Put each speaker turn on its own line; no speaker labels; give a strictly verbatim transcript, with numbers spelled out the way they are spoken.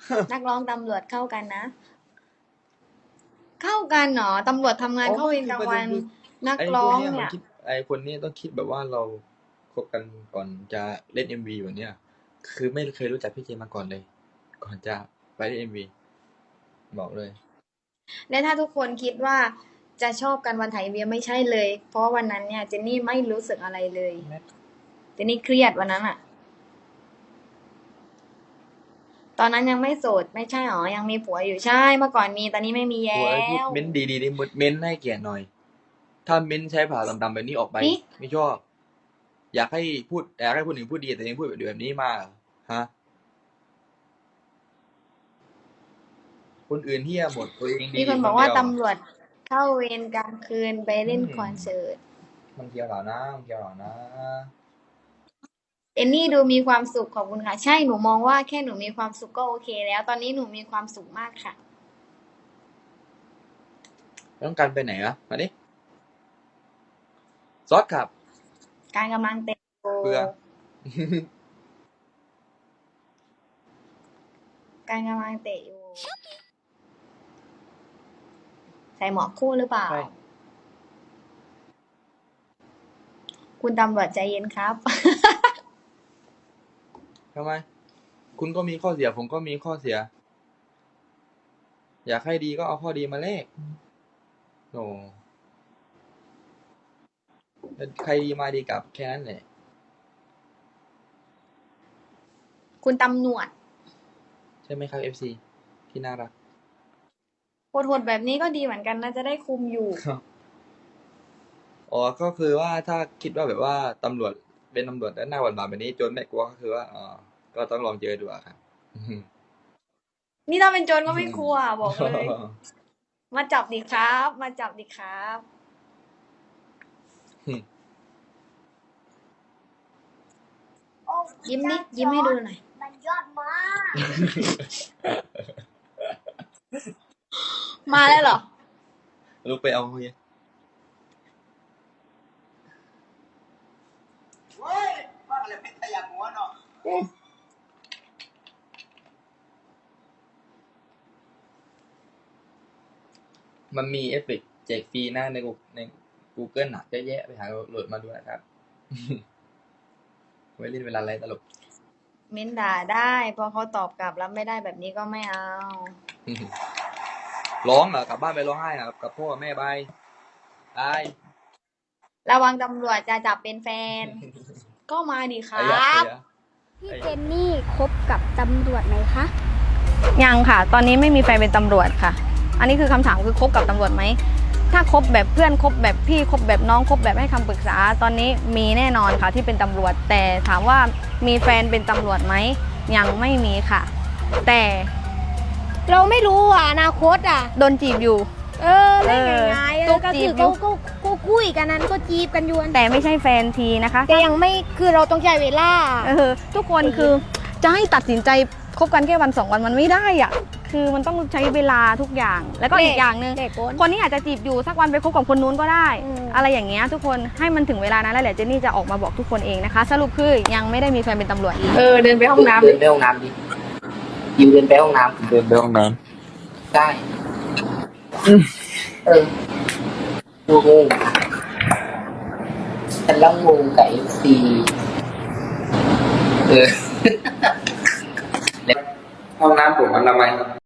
นักร้องตำรวจเข้ากันนะ เข้ากันเหรอตำรวจทำงานเข้าเวรกลางวัน นัก
ไอ้พ
ร้
ว
อก ง
เนี้ยมัน
เนี่ย
คิดไอ้คนนี้ต้องคิดแบบว่าเราคบกันก่อนจะเล่นเอ็มวีแบบเนี้ยคือไม่เคยรู้จักพี่เจมาก่อนเลย ก่อนจะไปเล่นเอ็มวีบอกเลย
และถ้าทุกคนคิดว่าจะชอบกันวันถ่ายเอ็มวีไม่ใช่เลย เพราะว่าวันนั้นเนี่ยเจนนี่ไม่รู้สึกอะไรเลย เจนนี่เครียดวันนั้นอะตอนนั้นยังไม่โสดไม่ใช่หรอยังมีผัวอยู่ใช่เมื่อก่อนมีตอนนี้ไม่มีแล้
ผัวไอ้พูด
ว
เม้นดีๆนี่เม้นให้เกียรติหน่อย ถ้าเม้นใช้ภาษาดำๆแบบนี้ออกไป
นี่
ไม่ชอบ อยากให้พูดอยากให้คนอื่นพูดดีแต่ยังพูดแบบนี้มาฮะ คนอื่นเหี้ยหมดตัวเองดี
มีคนบอกว่า
เดีย
ตำรวจเข้าเวรกลางคืนไปเล่น
อืม
คอนเสิร์ต
มันเกี่ยวเหรอนะมันเกี่ยวเหรอนะ
เอมนี่ดูมีความสุขขอบคุณค่ะ ใช่หนูมองว่าแค่หนูมีความสุขก็โอเคแล้ว ตอนนี้หนูมีความสุขมากค่ะ
ต้องการไปไหนอะมาดิซอสขับ
การกำลังเตะโก
เบื่อ
การกำลังเตะอยู่ใส่หมวกคู่หรือเปล่า
ใช่
คุณตำรวจใจเย็นครับ
ทำไม คุณก็มีข้อเสีย ผมก็มีข้อเสีย อยากให้ดีก็เอาข้อดีมาแลกโอ้ใครดีมาดีกลับแค่นั้นแหละ
คุณตำรวจ
ใช่ไหมครับ เอฟ ซี ที่น่ารัก
โหดๆแบบนี้ก็ดีเหมือนกันนะจะได้คุมอยู่
อ๋อ ก็คือว่าถ้าคิดว่าแบบว่าตำรวจเป็นตำรวจแล้วหน้าหวานๆแบบนี้โจรไม่กลัวก็คือว่าอ๋อก็ต้องลองเจอดูอะครับ
นี่ถ้าเป็นโจรก็ไม่กลัวบอกเลย มาจับดิครับ มาจับดิครับ ยิ้มนิดยิ้มให้ดูหน่อย
มันยอดมาก
มาแล้วเหรอ
ลุกไปเอาเฮีย
เว้ยว่าอะไรเป็นตะยางหัวเนาะ
มันมีเอฟเฟกต์แจกฟรีนะในใน Google น่ะเยอะแยะไปหาโหลดมาดูนะครับ ไว้เล่นเวลาไรตลก
เม้นด่าได้พอเขาตอบกลับแล้วไม่ได้แบบนี้ก็ไม่เอา
ร้องเหรอกลับบ้านไปร้องไห้เหรอกับพ่อกับแม่บายบาย
ระวังตำรวจจะจับเป็นแฟน ก็มาดิค
ไอ้
รั
ยักษ์
บ
เสีย
พี่เจนนี่คบกับตำรวจไหมคะ
ยังค่ะ ตอนนี้ไม่มีแฟนเป็นตำรวจค่ะ อันนี้คือคำถามคือคบกับตำรวจไหม ถ้าคบแบบเพื่อนคบแบบพี่คบแบบน้องคบแบบให้คำปรึกษา ตอนนี้มีแน่นอนค่ะที่เป็นตำรวจ แต่ถามว่ามีแฟนเป็นตำรวจไหม ยังไม่มีค่ะ แต่
เราไม่รู้อ่ะอนาคตอ่ะ
โดนจีบอยู่
เออเล่นง่ายๆเอ
ตุ๊
อก ก็
จี
คื
บ
อ
อยู่
ก็ก็ก็คุยกันนั้นก็จีบกันอยู่
แต่ไม่ใช่แฟนทีนะคะ
แต่ยังไม่คือเราต้องใช้เวลา
เออทุกคนคือจะให้ตัดสินใจคบกันแค่วันสองวันมันไม่ได้อ่ะ คือมันต้องใช้เวลาทุกอย่าง แล้วก็อีกอย่างหนึ่ง
เด็กคน
คนนี้อาจจะจีบอยู่สักวันไปคบกับคนนู้นก็ได้
อืม
อะไรอย่างเงี้ยทุกคนให้มันถึงเวลานั้นแล้วแหละเจนนี่จะออกมาบอกทุกคนเองนะคะ สรุปคือยังไม่ได้มีแฟนเป็นตำรวจ
เออ เดินไปห้องน้ำ
เดินไปห้องน้ำดิยิวเดินไปห้องน้ำ
เดินไปห้องน้
ได้เออดูงงฉันแล้วงงกับเอฟซีเออ
ำห้องน้ำผมอนามัย